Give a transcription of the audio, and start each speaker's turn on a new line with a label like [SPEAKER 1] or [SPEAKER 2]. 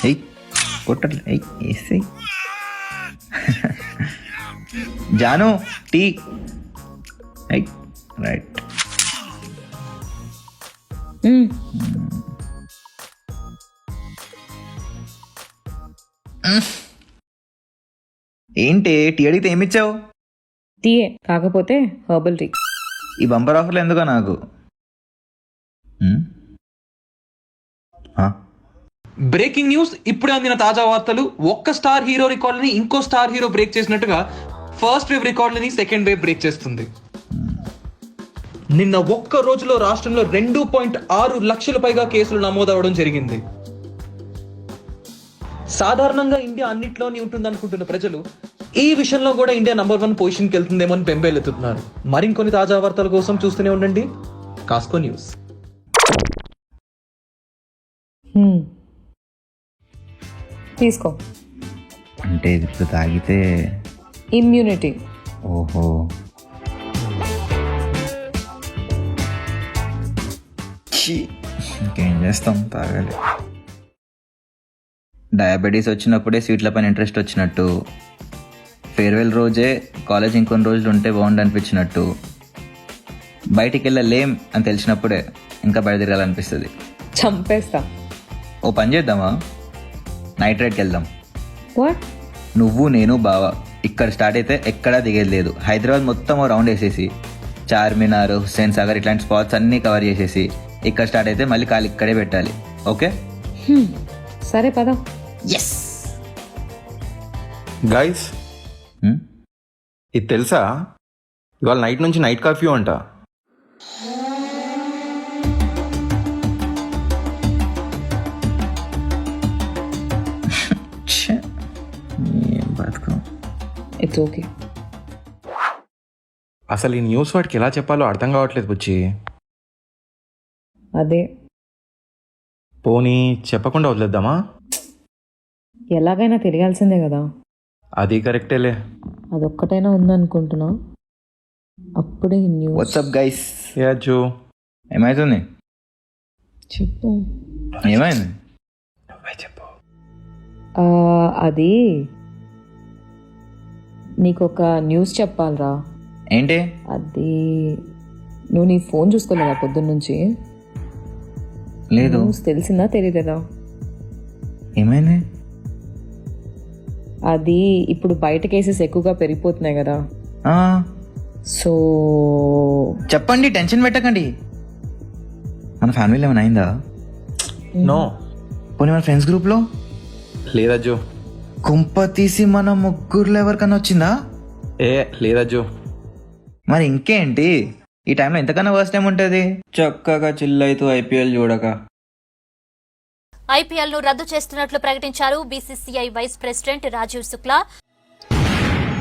[SPEAKER 1] ఎయ్ కొట్టట్లే, ఎయ్ వేసేయ్. జాను టీ. ఎయ్ రైట్. ఏంటి టీ అడిగితే ఏమిచ్చావు?
[SPEAKER 2] టీయే కాకపోతే హర్బల్ టీ.
[SPEAKER 1] ఈ బంపర్ ఆఫర్లు ఎందుకో నాకు.
[SPEAKER 3] బ్రేకింగ్ న్యూస్, ఇప్పుడే అందిన తాజా వార్తలు. ఒక్క స్టార్ హీరో రికార్డుని ఇంకో స్టార్ హీరో బ్రేక్ చేసినట్టుగా ఫస్ట్ వేవ్ రికార్డులని సెకండ్ వేవ్ బ్రేక్ చేస్తుంది. నిన్న ఒక్క రోజులో రాష్ట్రంలో 2.6 లక్షల పైగా కేసులు నమోదవడం జరిగింది. సాధారణంగా ఇండియా అన్నిట్లోనే ఉంటుంది అనుకుంటున్న ప్రజలు ఈ విషయంలో కూడా ఇండియా నంబర్ 1 పొజిషన్కి వెళ్తుందేమో అని బెంబేలెత్తుతున్నారు. మరికొన్ని తాజా వార్తల కోసం చూస్తూనే ఉండండి కాస్కో న్యూస్.
[SPEAKER 2] తీసుకో.
[SPEAKER 1] అంటే ఇది ఇప్పుడు తాగితే
[SPEAKER 2] ఇమ్యూనిటీ.
[SPEAKER 1] ఓహో, ఇంకేం చేస్తాం, తాగాలి. డయాబెటీస్ వచ్చినప్పుడే స్వీట్ల పైన ఇంట్రెస్ట్ వచ్చినట్టు, ఫేర్వెల్ రోజే కాలేజ్ ఇంకొన్ని రోజులు ఉంటే బాగుండు అనిపించినట్టు, బయటికి వెళ్ళలేం అని తెలిసినప్పుడే ఇంకా బయట తిరగాలనిపిస్తుంది.
[SPEAKER 2] చంపేస్తా.
[SPEAKER 1] ఓ పని చేద్దామా, నైట్ రైడ్కి వెళ్దాం.
[SPEAKER 2] వాట్?
[SPEAKER 1] నువ్వు నేను బావ ఇక్కడ స్టార్ట్ అయితే ఎక్కడా దిగేది లేదు. హైదరాబాద్ మొత్తం ఓ రౌండ్ వేసేసి చార్మినార్, హుస్సేన్ సాగర్ ఇట్లాంటి స్పాట్స్ అన్నీ కవర్ చేసేసి ఇక్కడ స్టార్ట్ అయితే మళ్ళీ కాలు ఇక్కడే పెట్టాలి. ఓకే
[SPEAKER 2] సరే పద.
[SPEAKER 1] ఎస్
[SPEAKER 4] గైస్, ఇది తెలుసా, ఇవాళ నైట్ నుంచి నైట్ కర్ఫ్యూ అంట.
[SPEAKER 1] బతుకం.
[SPEAKER 2] It's okay.
[SPEAKER 4] అసలు ఈ న్యూస్ వాడికి ఎలా చెప్పాలో అర్థం కావట్లేదు బుచ్చి.
[SPEAKER 2] అదే
[SPEAKER 4] పోనీ చెప్పకుండా వదిలేద్దామా?
[SPEAKER 2] ఎలాగైనా తెలియాల్సిందే కదా.
[SPEAKER 4] అది కరెక్టేలే.
[SPEAKER 2] అదొక్కటైనా ఉందనుకుంటున్నా. అప్పుడే న్యూస్.
[SPEAKER 1] What's up guys.
[SPEAKER 4] యా జో,
[SPEAKER 1] ఏమైతుంది?
[SPEAKER 2] చెప్పు.
[SPEAKER 1] ఏమైంది?
[SPEAKER 4] నువ్వే చెప్పు.
[SPEAKER 2] అది నీకొక న్యూస్ చెప్పాలరా.
[SPEAKER 1] ఏంటి?
[SPEAKER 2] అది నువ్వు నీ ఫోన్ చూసుకోలేదా పొద్దున్నుంచి?
[SPEAKER 1] లేదు.
[SPEAKER 2] న్యూస్ తెలిసిందా తెలియలేదా?
[SPEAKER 1] ఏమైంది?
[SPEAKER 2] అది ఇప్పుడు బయట కేసెస్ ఎక్కువగా పెరిగిపోతున్నాయి కదా. సో
[SPEAKER 1] చెప్పండి, టెన్షన్ పెట్టకండి. మన ఫ్యామిలీలో ఏమైనా అయిందా?
[SPEAKER 4] నో.
[SPEAKER 1] పోనీ మన ఫ్రెండ్స్ గ్రూప్లో?
[SPEAKER 4] లేదా జో.
[SPEAKER 1] కుంప తీసి మన ముగ్గురులో ఎవరికన్నా వచ్చిందా?
[SPEAKER 4] లేదా జో.
[SPEAKER 1] మరి ఇంకేంటి, ఈ టైంలో ఎంతకన్నా వర్స్ట్ టైం ఉంటుంది. చక్కగా చిల్ అవుతూ ఐపీఎల్ చూడక.
[SPEAKER 5] ఐపీఎల్ ను రద్దు చేస్తున్నట్లు ప్రకటించారు BCCI vice president Rajeev Shukla.